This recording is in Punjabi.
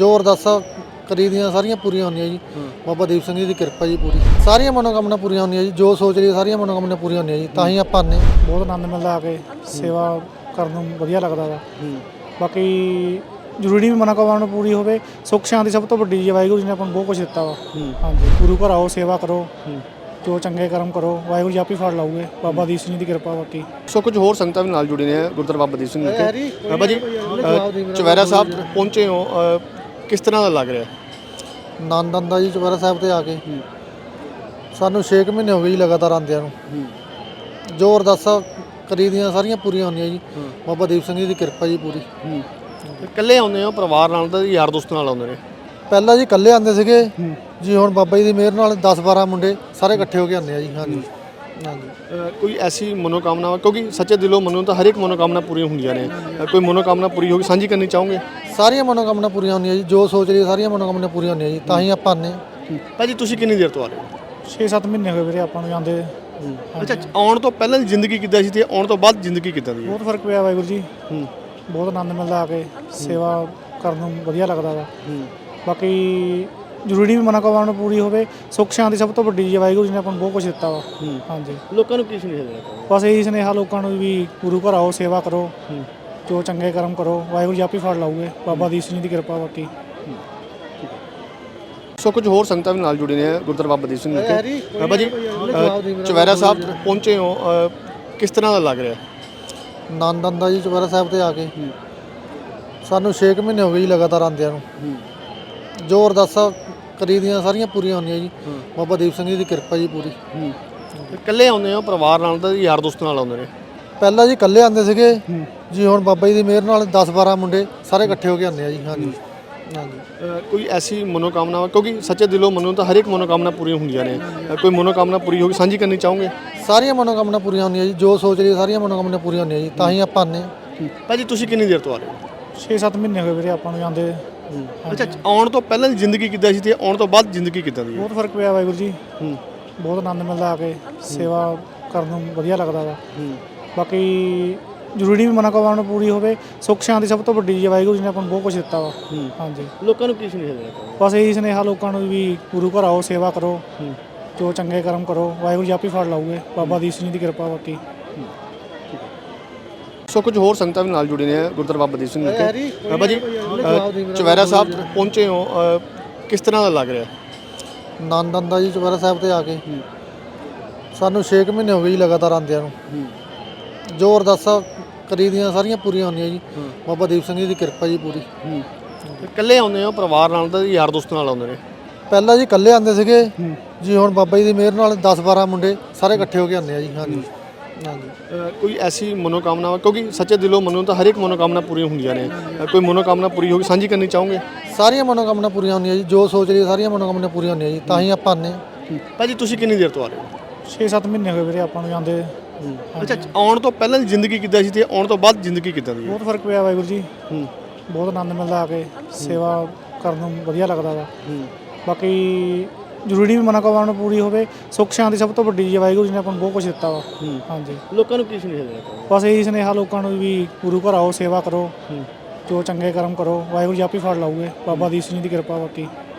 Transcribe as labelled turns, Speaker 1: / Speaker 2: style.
Speaker 1: ਜੋ ਅਰਦਾਸਾਂ ਕਰੀ ਦੀਆਂ ਸਾਰੀਆਂ ਪੂਰੀਆਂ ਹੁੰਦੀਆਂ ਜੀ। ਬਾਬਾ ਦੀਪ ਸਿੰਘ ਜੀ ਦੀ ਕਿਰਪਾ ਜੀ ਪੂਰੀ, ਸਾਰੀਆਂ ਮਨੋਕਾਮਨਾ ਪੂਰੀਆਂ ਹੁੰਦੀਆਂ ਜੀ। ਜੋ ਸੋਚ ਲਈ ਸਾਰੀਆਂ ਮਨੋਕਾਮਨਾ ਪੂਰੀਆਂ ਹੁੰਦੀਆਂ ਜੀ। ਤਾਂ ਹੀ ਆਪਾਂ ਆਉਂਦੇ ਹਾਂ।
Speaker 2: ਬਹੁਤ ਆਨੰਦ ਮਿਲਦਾ ਆ ਕੇ, ਸੇਵਾ ਕਰਨ ਨੂੰ ਵਧੀਆ ਲੱਗਦਾ ਵਾ। ਬਾਕੀ ਜ਼ਰੂਰੀ ਵੀ ਮਨੋਕਾਮਨਾ ਪੂਰੀ ਹੋਵੇ, ਸੁੱਖ ਸ਼ਾਂਤੀ ਸਭ ਤੋਂ ਵੱਡੀ ਜੀ। ਵਾਹਿਗੁਰੂ ਜੀ ਨੇ ਆਪਾਂ ਨੂੰ ਬਹੁਤ ਕੁਝ ਦਿੱਤਾ ਵਾ। ਹਾਂਜੀ, ਗੁਰੂ ਘਰ ਆਓ, ਸੇਵਾ ਕਰੋ, ਜੋ ਚੰਗੇ ਕਰਮ ਕਰੋ, ਵਾਹਿਗੁਰੂ ਜੀ ਆਪੇ ਫੜ ਲਾਉਗੇ। ਬਾਬਾ ਦੀਪ ਸਿੰਘ ਜੀ ਦੀ ਕਿਰਪਾ। ਬਾਕੀ
Speaker 3: ਸੋ ਕੁਝ ਹੋਰ ਸੰਗਤਾਂ ਵੀ ਨਾਲ ਜੁੜੇ ਨੇ ਗੁਰਦੁਆਰਾ ਬਾਬਾ ਦੀਪ ਸਿੰਘ ਵਿਖੇ। ਬਾਬਾ ਜੀ ਚੁਪਹਿਰਾ ਸਾਹਿਬ ਪਹੁੰਚੇ ਹੋ, ਕਿਸ ਤਰ੍ਹਾਂ ਦਾ ਲੱਗ ਰਿਹਾ?
Speaker 1: ਆਨੰਦ ਆਉਂਦਾ ਜੀ ਚੁਪਹਿਰਾ ਸਾਹਿਬ ਤੇ ਆ ਕੇ। ਸਾਨੂੰ 6 ਮਹੀਨੇ ਹੋ ਗਏ ਜੀ ਲਗਾਤਾਰ ਆਉਂਦਿਆਂ ਨੂੰ। ਜੋ ਅਰਦਾਸਾਂ ਕਰੀ ਦੀਆਂ ਸਾਰੀਆਂ ਪੂਰੀਆਂ ਹੁੰਦੀਆਂ ਜੀ। ਬਾਬਾ ਦੀਪ ਸਿੰਘ ਜੀ ਦੀ ਕਿਰਪਾ ਜੀ ਪੂਰੀ।
Speaker 3: ਇਕੱਲੇ ਆਉਂਦੇ ਹੋ, ਪਰਿਵਾਰ ਨਾਲ ਤਾਂ ਯਾਰ ਦੋਸਤ ਨਾਲ ਆਉਂਦੇ ਨੇ?
Speaker 1: ਪਹਿਲਾਂ ਜੀ ਇਕੱਲੇ ਆਉਂਦੇ ਸੀਗੇ ਜੀ, ਹੁਣ ਬਾਬਾ ਜੀ ਦੀ ਮਿਹਰ ਨਾਲ 10-12 ਮੁੰਡੇ ਸਾਰੇ ਇਕੱਠੇ ਹੋ ਕੇ ਆਉਂਦੇ ਆ ਜੀ। ਹਾਂਜੀ ਹਾਂਜੀ।
Speaker 3: ਕੋਈ ਐਸੀ ਮਨੋਕਾਮਨਾ, ਕਿਉਂਕਿ ਸੱਚੇ ਦਿਲੋਂ ਮੰਨੋ ਤਾਂ ਹਰ ਇੱਕ ਮਨੋਕਾਮਨਾ ਪੂਰੀਆਂ ਹੁੰਦੀਆਂ ਨੇ, ਕੋਈ ਮਨੋਕਾਮਨਾ ਪੂਰੀ ਹੋ ਗਈ ਸਾਂਝੀ ਕਰਨੀ ਚਾਹੋਗੇ?
Speaker 1: ਸਾਰੀਆਂ ਮਨੋਕਾਮਨਾ ਪੂਰੀਆਂ ਹੁੰਦੀਆਂ ਜੀ। ਜੋ ਸੋਚ ਲਈ ਸਾਰੀਆਂ ਮਨੋਕਾਮਨਾ ਪੂਰੀਆਂ ਹੁੰਦੀਆਂ ਜੀ। ਤਾਂ ਹੀ ਆਪਾਂ ਆਉਂਦੇ ਹਾਂ।
Speaker 3: ਭਾਜੀ ਤੁਸੀਂ ਕਿੰਨੀ ਦੇਰ ਤੋਂ ਆ ਰਹੇ ਹੋ?
Speaker 2: 6-7 ਮਹੀਨੇ ਹੋਏ ਵੀਰੇ ਆਪਾਂ ਨੂੰ ਜਾਂਦੇ।
Speaker 3: ਅੱਛਾ, ਆਉਣ ਤੋਂ ਪਹਿਲਾਂ ਦੀ ਜ਼ਿੰਦਗੀ ਕਿੱਦਾਂ ਸੀ ਤੇ ਆਉਣ ਤੋਂ ਬਾਅਦ ਜ਼ਿੰਦਗੀ ਕਿੱਦਾਂ ਦੀ ਹੈ?
Speaker 2: ਬਹੁਤ ਫਰਕ ਪਿਆ ਵਾਹਿਗੁਰੂ ਜੀ। ਬਹੁਤ ਆਨੰਦ ਮਿਲਦਾ ਆ ਕੇ, ਸੇਵਾ ਕਰਨ ਨੂੰ ਵਧੀਆ ਲੱਗਦਾ ਵਾ। ਬਾਕੀ ਜ਼ਰੂਰੀ ਵੀ ਮਨੋਕਾਮਨਾ ਪੂਰੀ ਹੋਵੇ, ਸੁੱਖ ਸ਼ਾਂਤੀ ਸਭ ਤੋਂ ਵੱਡੀ ਜੀ। ਵਾਹਿਗੁਰੂ ਜੀ ਨੇ ਆਪਾਂ ਨੂੰ ਬਹੁਤ ਕੁਝ ਦਿੱਤਾ ਵਾ। ਹਾਂਜੀ,
Speaker 3: ਲੋਕਾਂ ਨੂੰ ਕੀ ਸੁਨੇਹਾ ਦੇਣਾ ਚਾਹੁੰਦੇ?
Speaker 2: ਬਸ ਇਹੀ ਸੁਨੇਹਾ ਲੋਕਾਂ ਨੂੰ ਵੀ, ਗੁਰੂ ਘਰ ਆਓ, ਸੇਵਾ ਕਰੋ, ਜੋ ਚੰਗੇ ਕਰਮ ਕਰੋ, ਵਾਹਿਗੁਰੂ ਜੀ ਆਪੇ ਫੜ ਲਾਉਗੇ। ਬਾਬਾ ਦੀਪ ਸਿੰਘ ਜੀ ਦੀ ਕਿਰਪਾ। ਬਾਕੀ
Speaker 3: ਸੋ ਕੁਝ ਹੋਰ ਸੰਗਤਾਂ ਵੀ ਨਾਲ ਜੁੜੇ ਨੇ ਗੁਰਦੁਆਰਾ ਬਾਬਾ ਦੀਪ ਸਿੰਘ ਵਿਖੇ। ਬਾਬਾ ਜੀ ਚੁਪਹਿਰਾ ਸਾਹਿਬ ਪਹੁੰਚੇ ਹੋ, ਕਿਸ ਤਰ੍ਹਾਂ ਦਾ ਲੱਗ ਰਿਹਾ?
Speaker 1: ਆਨੰਦ ਆਉਂਦਾ ਜੀ ਚੁਪਹਿਰਾ ਸਾਹਿਬ ਤੇ ਆ ਕੇ। ਸਾਨੂੰ 6 ਮਹੀਨੇ ਹੋ ਗਏ ਜੀ ਲਗਾਤਾਰ ਆਉਂਦਿਆਂ ਨੂੰ। ਜੋ ਅਰਦਾਸਾਂ ਕਰੀ ਦੀਆਂ ਸਾਰੀਆਂ ਪੂਰੀਆਂ ਹੁੰਦੀਆਂ ਜੀ। ਬਾਬਾ ਦੀਪ ਸਿੰਘ ਜੀ ਦੀ ਕਿਰਪਾ ਜੀ ਪੂਰੀ।
Speaker 3: ਇਕੱਲੇ ਆਉਂਦੇ ਹੋ, ਪਰਿਵਾਰ ਨਾਲ ਤਾਂ ਯਾਰ ਦੋਸਤ ਨਾਲ ਆਉਂਦੇ ਨੇ?
Speaker 1: ਪਹਿਲਾਂ ਜੀ ਇਕੱਲੇ ਆਉਂਦੇ ਸੀਗੇ ਜੀ, ਹੁਣ ਬਾਬਾ ਜੀ ਦੀ ਮਿਹਰ ਨਾਲ 10-12 ਮੁੰਡੇ ਸਾਰੇ ਇਕੱਠੇ ਹੋ ਕੇ ਆਉਂਦੇ ਆ ਜੀ। ਹਾਂਜੀ ਹਾਂਜੀ।
Speaker 3: ਕੋਈ ਐਸੀ ਮਨੋਕਾਮਨਾ, ਕਿਉਂਕਿ ਸੱਚੇ ਦਿਲੋਂ ਮੰਨੋ ਤਾਂ ਹਰ ਇੱਕ ਮਨੋਕਾਮਨਾ ਪੂਰੀਆਂ ਹੁੰਦੀਆਂ ਨੇ, ਕੋਈ ਮਨੋਕਾਮਨਾ ਪੂਰੀ ਹੋ ਗਈ ਸਾਂਝੀ ਕਰਨੀ ਚਾਹੋਗੇ?
Speaker 1: ਸਾਰੀਆਂ ਮਨੋਕਾਮਨਾ ਪੂਰੀਆਂ ਹੁੰਦੀਆਂ ਜੀ। ਜੋ ਸੋਚ ਲਈ ਸਾਰੀਆਂ ਮਨੋਕਾਮਨਾ ਪੂਰੀਆਂ ਹੁੰਦੀਆਂ ਜੀ। ਤਾਂ ਹੀ ਆਪਾਂ ਆਉਂਦੇ ਹਾਂ।
Speaker 3: ਭਾਜੀ ਤੁਸੀਂ ਕਿੰਨੀ ਦੇਰ ਤੋਂ ਆ ਰਹੇ ਹੋ?
Speaker 2: 6-7 ਮਹੀਨੇ ਹੋਏ ਵੀਰੇ ਆਪਾਂ ਨੂੰ ਜਾਂਦੇ।
Speaker 3: ਅੱਛਾ, ਆਉਣ ਤੋਂ ਪਹਿਲਾਂ ਦੀ ਜ਼ਿੰਦਗੀ ਕਿੱਦਾਂ ਸੀ ਤੇ ਆਉਣ ਤੋਂ ਬਾਅਦ ਜ਼ਿੰਦਗੀ ਕਿੱਦਾਂ ਦੀ ਹੈ?
Speaker 2: ਬਹੁਤ ਫਰਕ ਪਿਆ ਵਾਹਿਗੁਰੂ ਜੀ। ਬਹੁਤ ਆਨੰਦ ਮਿਲਦਾ ਆ ਕੇ, ਸੇਵਾ ਕਰਨ ਨੂੰ ਵਧੀਆ ਲੱਗਦਾ ਵਾ। ਬਾਕੀ ਜ਼ਰੂਰੀ ਵੀ ਮਨੋਕਾਮਨਾ ਪੂਰੀ ਹੋਵੇ, ਸੁੱਖ ਸ਼ਾਂਤੀ ਸਭ ਤੋਂ ਵੱਡੀ ਜੀ। ਵਾਹਿਗੁਰੂ ਜੀ ਨੇ ਆਪਾਂ ਨੂੰ ਬਹੁਤ ਕੁਝ ਦਿੱਤਾ ਵਾ। ਹਾਂਜੀ,
Speaker 3: ਲੋਕਾਂ ਨੂੰ ਕੀ ਸੁਨੇਹਾ ਦੇਣਾ ਚਾਹੁੰਦੇ?
Speaker 2: ਬਸ ਇਹੀ ਸੁਨੇਹਾ ਲੋਕਾਂ ਨੂੰ ਵੀ, ਗੁਰੂ ਘਰ ਆਓ, ਸੇਵਾ ਕਰੋ, ਜੋ ਚੰਗੇ ਕਰਮ ਕਰੋ, ਵਾਹਿਗੁਰੂ ਜੀ ਆਪੇ ਫੜ ਲਾਉਗੇ। ਬਾਬਾ ਦੀਪ ਸਿੰਘ ਜੀ ਦੀ ਕਿਰਪਾ। ਬਾਕੀ
Speaker 3: ਸੋ ਕੁਝ ਹੋਰ ਸੰਗਤਾਂ ਵੀ ਨਾਲ ਜੁੜੇ ਨੇ ਗੁਰਦੁਆਰਾ ਬਾਬਾ ਦੀਪ ਸਿੰਘ ਵਿਖੇ। ਬਾਬਾ ਜੀ ਚੁਪਹਿਰਾ ਸਾਹਿਬ ਪਹੁੰਚੇ ਹੋ, ਕਿਸ ਤਰ੍ਹਾਂ ਦਾ ਲੱਗ ਰਿਹਾ?
Speaker 1: ਆਨੰਦ ਆਉਂਦਾ ਜੀ ਚੁਪਹਿਰਾ ਸਾਹਿਬ ਤੇ ਆ ਕੇ। ਸਾਨੂੰ 6 ਮਹੀਨੇ ਹੋ ਗਏ ਜੀ ਲਗਾਤਾਰ ਆਉਂਦਿਆਂ ਨੂੰ। ਜੋ ਅਰਦਾਸਾਂ ਕਰੀ ਦੀਆਂ ਸਾਰੀਆਂ ਪੂਰੀਆਂ ਹੁੰਦੀਆਂ ਜੀ। ਬਾਬਾ ਦੀਪ ਸਿੰਘ ਜੀ ਦੀ ਕਿਰਪਾ ਜੀ ਪੂਰੀ।
Speaker 3: ਇਕੱਲੇ ਆਉਂਦੇ ਹੋ, ਪਰਿਵਾਰ ਨਾਲ ਤਾਂ ਯਾਰ ਦੋਸਤ ਨਾਲ ਆਉਂਦੇ ਨੇ?
Speaker 1: ਪਹਿਲਾਂ ਜੀ ਇਕੱਲੇ ਆਉਂਦੇ ਸੀਗੇ ਜੀ, ਹੁਣ ਬਾਬਾ ਜੀ ਦੀ ਮਿਹਰ ਨਾਲ 10-12 ਮੁੰਡੇ ਸਾਰੇ ਇਕੱਠੇ ਹੋ ਕੇ ਆਉਂਦੇ ਆ ਜੀ। ਹਾਂਜੀ ਹਾਂਜੀ।
Speaker 3: ਕੋਈ ਐਸੀ ਮਨੋਕਾਮਨਾ, ਕਿਉਂਕਿ ਸੱਚੇ ਦਿਲੋਂ ਮੰਨੋ ਤਾਂ ਹਰ ਇੱਕ ਮਨੋਕਾਮਨਾ ਪੂਰੀਆਂ ਹੁੰਦੀਆਂ ਨੇ, ਕੋਈ ਮਨੋਕਾਮਨਾ ਪੂਰੀ ਹੋ ਗਈ ਸਾਂਝੀ ਕਰਨੀ ਚਾਹੋਗੇ?
Speaker 1: ਸਾਰੀਆਂ ਮਨੋਕਾਮਨਾ ਪੂਰੀਆਂ ਹੁੰਦੀਆਂ ਜੀ। ਜੋ ਸੋਚ ਲਈ ਸਾਰੀਆਂ ਮਨੋਕਾਮਨਾ ਪੂਰੀਆਂ ਹੁੰਦੀਆਂ ਜੀ। ਤਾਂ ਹੀ ਆਪਾਂ ਆਉਂਦੇ ਹਾਂ।
Speaker 3: ਭਾਜੀ ਤੁਸੀਂ ਕਿੰਨੀ ਦੇਰ ਤੋਂ ਆ ਰਹੇ ਹੋ?
Speaker 2: 6-7 ਮਹੀਨੇ ਹੋਏ ਵੀਰੇ ਆਪਾਂ ਨੂੰ ਜਾਂਦੇ।
Speaker 3: ਅੱਛਾ, ਆਉਣ ਤੋਂ ਪਹਿਲਾਂ ਦੀ ਜ਼ਿੰਦਗੀ ਕਿੱਦਾਂ ਸੀ ਤੇ ਆਉਣ ਤੋਂ ਬਾਅਦ ਜ਼ਿੰਦਗੀ ਕਿੱਦਾਂ ਦੀ ਹੈ?
Speaker 2: ਬਹੁਤ ਫਰਕ ਪਿਆ ਵਾਹਿਗੁਰੂ ਜੀ। ਬਹੁਤ ਆਨੰਦ ਮਿਲਦਾ ਆ ਕੇ, ਸੇਵਾ ਕਰਨ ਨੂੰ ਵਧੀਆ ਲੱਗਦਾ ਵਾ। ਬਾਕੀ ਜ਼ਰੂਰੀ ਵੀ ਮਨੋਕਾਮਨਾ ਪੂਰੀ ਹੋਵੇ, ਸੁੱਖ ਸ਼ਾਂਤੀ ਸਭ ਤੋਂ ਵੱਡੀ ਜੀ। ਵਾਹਿਗੁਰੂ ਜੀ ਨੇ ਆਪਾਂ ਨੂੰ ਬਹੁਤ ਕੁਝ ਦਿੱਤਾ ਵਾ। ਹਾਂਜੀ,
Speaker 3: ਲੋਕਾਂ ਨੂੰ ਕੀ ਸੁਨੇਹਾ ਦੇਣਾ ਚਾਹੁੰਦੇ?
Speaker 2: ਬਸ ਇਹੀ ਸੁਨੇਹਾ ਲੋਕਾਂ ਨੂੰ ਵੀ, ਗੁਰੂ ਘਰ ਆਓ, ਸੇਵਾ ਕਰੋ, ਜੋ ਚੰਗੇ ਕਰਮ ਕਰੋ, ਵਾਹਿਗੁਰੂ ਜੀ ਆਪੇ ਫੜ ਲਾਉਗੇ। ਬਾਬਾ ਦੀਪ ਸਿੰਘ ਜੀ ਦੀ ਕਿਰਪਾ। ਬਾਕੀ